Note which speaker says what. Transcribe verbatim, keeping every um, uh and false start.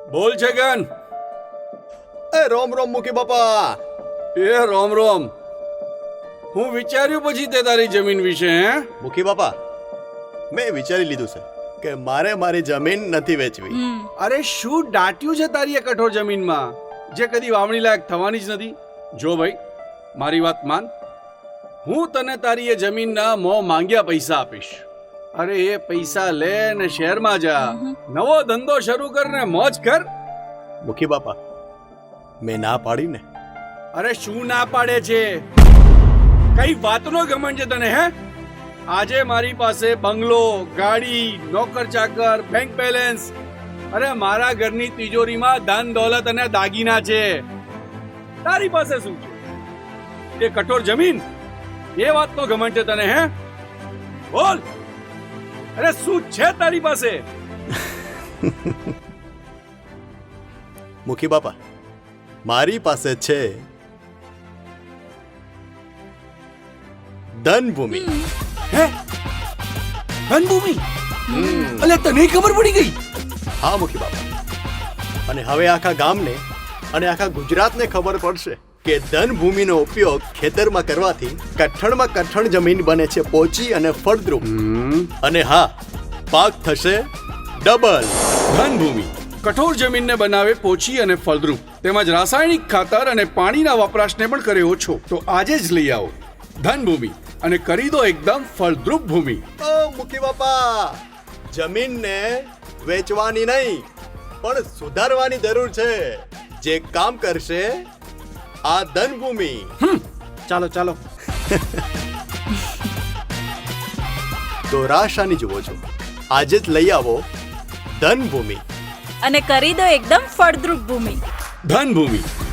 Speaker 1: બોલ છગન.
Speaker 2: એ રોમ રોમ મુખી બાપા.
Speaker 1: એ રોમ રોમ. હું વિચાર્યું પછી તે તારી જમીન વિશે હે
Speaker 2: મુખી બાપા, મેં વિચારી લીધું છે કે મારે મારી જમીન નથી વેચવી.
Speaker 1: અરે શું દાટ્યું છે તારી એ કઠોર જમીનમાં જે કદી વાવણી લાયક થવાની જ નથી? જો ભાઈ, મારી વાત માન. હું તને તારી એ જમીનના મોં માંગ્યા પૈસા આપીશ. અરે એ પૈસા લે ને શહેરમાં જા, નવો ધંધો શરૂ કર ને મોજ કર.
Speaker 2: મુખી બાપા, મેં ના પાડી ને.
Speaker 1: અરે શું ના પાડે છે? કઈ વાતનો ઘમંડ છે તને? હે, આજે મારી પાસે બંગલો, ગાડી, નોકર ચાકર, બેંક બેલેન્સ, અરે મારા ઘરની તિજોરીમાં ધન દોલત અને દાગીના છે. તારી પાસે શું છે? એ કઠોર જમીન, એ વાતનો ઘમંડ છે તને? હે, બોલ. અરે શું છે તારી પાસે?
Speaker 2: મુખી બાપા, મારી પાસે છે ધનભૂમિ.
Speaker 1: હે, ધનભૂમિ? અલે તને ખબર પડી ગઈ?
Speaker 2: હા મુખી બાપા, અને હવે આખા ગામને અને આખા ગુજરાતને ખબર પડશે કે ધનભૂમિનો ઉપયોગ ખેતરમાં કરવાથી કઠણમાં કઠણ જમીન બને છે પોચી અને ફળદ્રુપ. અને હા, પાક થશે ડબલ.
Speaker 1: ધનભૂમિ કઠોર જમીનને બનાવે પોચી અને ફળદ્રુપ, તેમજ રાસાયણિક ખાતર અને પાણીના વપરાશને પણ કરે ઓછો. તો આજે જ લઈ આવો ધનભૂમિ અને કરી દો એકદમ ફળદ્રુપ ભૂમિ.
Speaker 2: ઓ મુખી બાપા, જમીનને વેચવાની નહીં પણ સુધારવાની જરૂર છે. જે કામ કરશે આ ધનભૂમિ.
Speaker 1: ચાલો ચાલો.
Speaker 2: તો રાશાની જુઓ છો, આજે જ લઈ આવો ધનભૂમિ
Speaker 3: અને કરી દો એકદમ ફળદ્રુપ ભૂમિ.
Speaker 1: ધનભૂમિ